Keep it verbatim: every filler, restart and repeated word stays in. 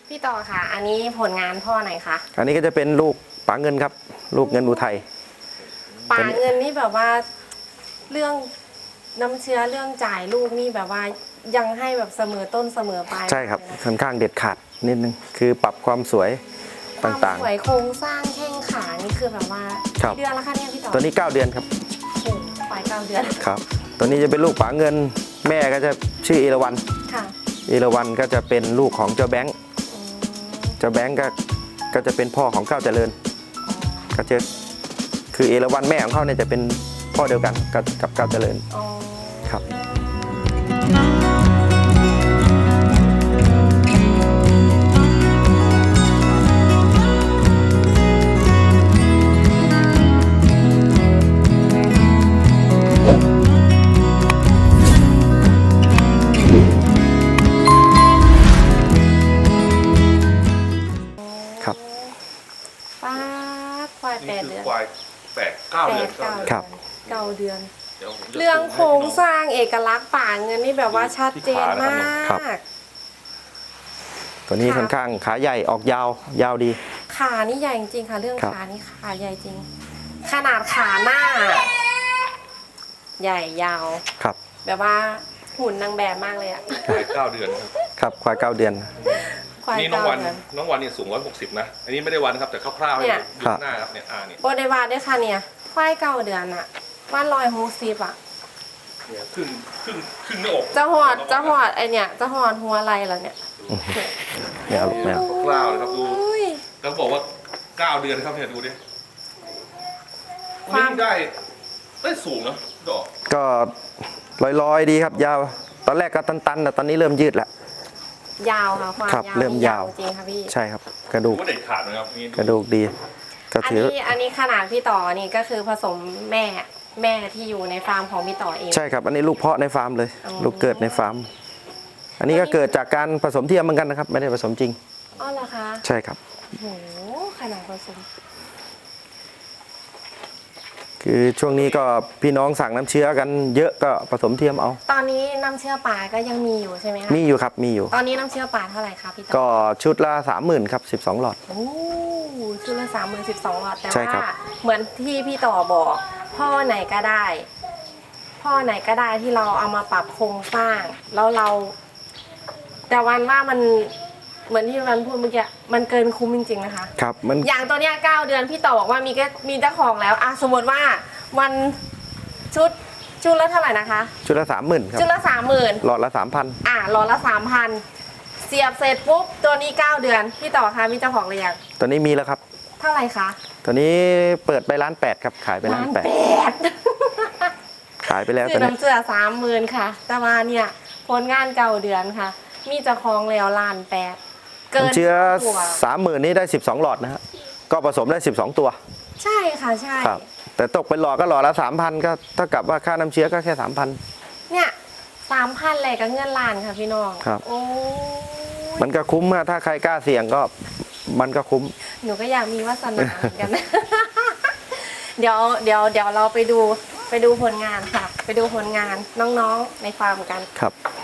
พี่ต่อค่ะอันนี้ผลงานพ่อไหนคะอันนี้ก็จะเป็นลูกป๋าเงินครับลูกเงินอุทัยป๋าเงินนี่แบบว่าเรื่องน้ำเชื้อเรื่องจ่ายลูกนี่แบบว่ายังให้แบบเสมอต้นเสมอปลายใช่ครับค่อนข้างเด็ดขาดนิดนึงคือปรับความสวยความต่างๆสวยโครงสร้างแข้งขานี่คือแบบว่าครับกี่เดือนแล้วคะเนี่ยพี่ต่อตัวนี้เก้าเดือนครับโอ้ปลายเก้าเดือนครับตัวนี้จะเป็นลูกป๋าเงินแม่ก็จะชื่อเอราวัณค่ะเอราวัณก็จะเป็นลูกของเจ้าแบงค์อืมเจ้าแบงค์ก็ก็จะเป็นพ่อของก้าวเจริญก็จะคือเอราวัณแม่ของเขาเนี่ยจะเป็นพ่อเดียวกันกับกับก้าวเจริญอ๋อครับครับป้าดควายแปนี่ดคืเดือนควายแปดเก้าแปเดือนดเก้าครับเก้าเดือนเดี๋ยวผมจะเรื่องโครงสร้างเอกลักษณ์ป่าเงินนี่แบบว่าชัดเจนมากตัวนี้ค่ะค่อนข้างขาใหญ่ออกยาวยาวดีขานี่ใหญ่จริงๆค่ะ เรื่องครับขานี่ขาใหญ่จริง ขนาดขาหน้า ใหญ่ยาวครับแบบว่าหุ่นนางแบบมากเลยอะควายเก้าเดือนครับครับควายเก้าเดือนควายนี่น้องเก้าวันเดือนน้องวันเนี่ยสูงร้อยหกสิบนะ อันนี้ไม่ได้วันครับแต่คร่าวๆให้เนี่ยดูหน้าครับเนี่ยอ่าเนี่ยโบเดวาด้วยค่ะเนี่ยควายเก้าเดือนอะว่าลอยฮูซีบอะเนี่ยครึ่งครึ่งครึ่งหน้าอกจะหอดจะหอดไอเนี่ยจะหอดหัวอะไรเหรอเนี่ยเนี่ยลูกแมวคร่าวๆเลยครับดูอุ้ยแล้วบอกว่าเก้าเดือนครับเนี่ยดูดิควันวามนี้ได้ได้สูงนะดอกก็ลอยๆดีครับยาว ตอนแรกก็ตันๆแต่ตอนนี้เริ่มยืดแล้วยาวค่ะความครับยาวเริ่มนี่ยาวจริงค่ะพี่ใช่ครับ กระดูดูกว่าเด็กขาดนะครับนี่กระดูกดี ก็อันถือนี้อันนี้ขนาดพี่ต่อนี่ก็คือผสมแม่แม่ที่อยู่ในฟาร์มของพี่ต่อเองใช่ครับ อันนี้ลูกเพาะในฟาร์มเลยอ๋อลูกเกิดในฟาร์ม อันนี้ก็เกิดจากการผสมเทียมเหมือนกันนะครับ ไม่ได้ผสมจริงอ๋อเหรอคะใช่ครับโหขนาดผสมคือช่วงนี้ก็พี่น้องสั่งน้ำเชื้อกันเยอะก็ผสมเทียมเอาตอนนี้น้ำเชื่อป่าก็ยังมีอยู่ใช่ไหมคะมีอยู่ครับ มีอยู่ตอนนี้น้ำเชื่อป่าเท่าไหร่คะพี่ต่อก็ชุดละสามหมื่นครับสิบสองหลอดโอ้ชุดละสามหมื่นสิบสองหลอดแต่ใช่ครัว่าบเหมือนที่พี่ต่อบอก พ่อไหนก็ได้ พ่อไหนก็ได้ที่เราเอามาปรับโครงสร้าง แล้วเรา แต่วันว่ามันเหมือนที่วันพูดเมื่อกี้มันเกินคุ้มจริงๆนะคะครับ มันอย่างตัวเนี้ยเก้าเดือนพี่ต่อบอกว่ามีก็มีเจ้าของแล้วอะสมมติว่าวันชุดชุดละเท่าไหร่นะคะชุดละสามหมื่นครับชุดละสามหมื่นหลอดละสามพันอ่ะหลอดละสามพันเสียบเสร็จปุ๊บตัวนี้เก้าเดือนพี่ต่อคะมีเจ้าของหรือยังตัวนี้มีแล้วครับเท่าไหร่คะตัวนี้เปิดไปร้านแปดครับ ขายไปร้านแปดดขายไปแล้วคืตออนนี้น้ำเสือสามหมื่นค่ะ แต่ว่าเนี่ยผลงานเก่าเดือนค่ะ มีเจ้าของแล้วล้านแปดเกินน้ำเชื้อตัวสามหมื่นนี้ได้สิบสองหลอดนะฮะ ก็ผสมได้สิบสองตัวใช่ค่ะใช่ครับ แต่ตกเป็นหลอดก็หลอดละสามพันก็เท่ากับว่าค่าน้ำเชื้อก็แค่สามพันเนี่ยสามพันเลยกับเงินล้านค่ะพี่น้องครับโอ้ยมันก็คุ้มอะถ้าใครกล้าเสี่ยงก็มันก็คุ้มหนูก็อยากมีวาสนาเหมือนกัน เดี๋ยวเดี๋ยวเดี๋ยวเราไปดูไปดูผลงานค่ะ ไปดูผลงานน้องๆในฟาร์มกันครับ